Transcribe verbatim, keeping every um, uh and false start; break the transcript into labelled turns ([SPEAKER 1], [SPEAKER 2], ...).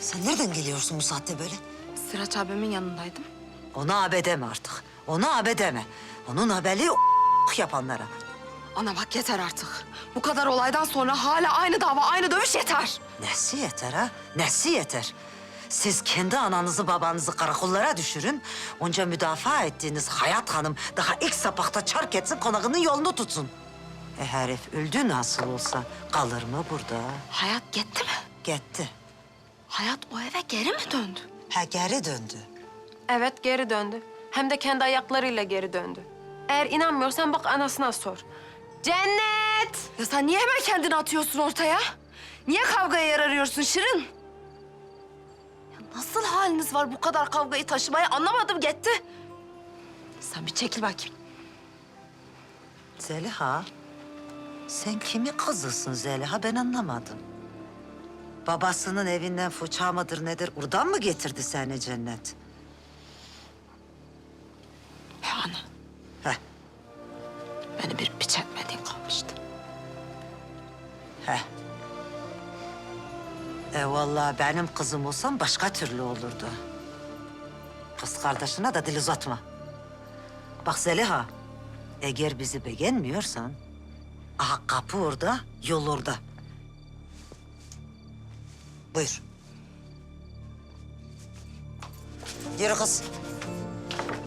[SPEAKER 1] Sen nereden geliyorsun bu saatte böyle?
[SPEAKER 2] Sıraç abimin yanındaydım.
[SPEAKER 1] Ona abe deme artık. Ona abe deme. Onun haberi o yapanlara.
[SPEAKER 2] Ana bak yeter artık. Bu kadar olaydan sonra hala aynı dava, aynı dövüş yeter.
[SPEAKER 1] Nesi yeter ha? Nesi yeter? Siz kendi ananızı babanızı karakollara düşürün. Onca müdafaa ettiğiniz Hayat Hanım daha ilk sapakta çark etsin, konağının yolunu tutsun. E herif öldü nasıl olsa kalır mı burada?
[SPEAKER 2] Hayat gitti mi?
[SPEAKER 1] Gitti.
[SPEAKER 2] Hayat o eve geri mi döndü?
[SPEAKER 1] Ha geri döndü.
[SPEAKER 3] Evet, geri döndü. Hem de kendi ayaklarıyla geri döndü. Eğer inanmıyorsan bak anasına sor. Cennet!
[SPEAKER 2] Ya sen niye hemen kendini atıyorsun ortaya? Niye kavgaya yer arıyorsun Şirin? Ya nasıl haliniz var bu kadar kavgayı taşımaya, anlamadım gitti. Sen bir çekil bakayım.
[SPEAKER 1] Zeliha, sen kimi kızısın Zeliha? Ben anlamadım. Babasının evinden fıça mıdır nedir? Oradan mı getirdi seni Cennet?
[SPEAKER 2] He ana,
[SPEAKER 1] Heh,
[SPEAKER 2] beni bir piç etmediğin kalmıştı.
[SPEAKER 1] heh. E vallahi benim kızım olsam başka türlü olurdu. Kız kardeşine de dil uzatma. Bak Zeliha, eğer bizi beğenmiyorsan... aha kapı orada, yol orada. Buyur. Yürü kız.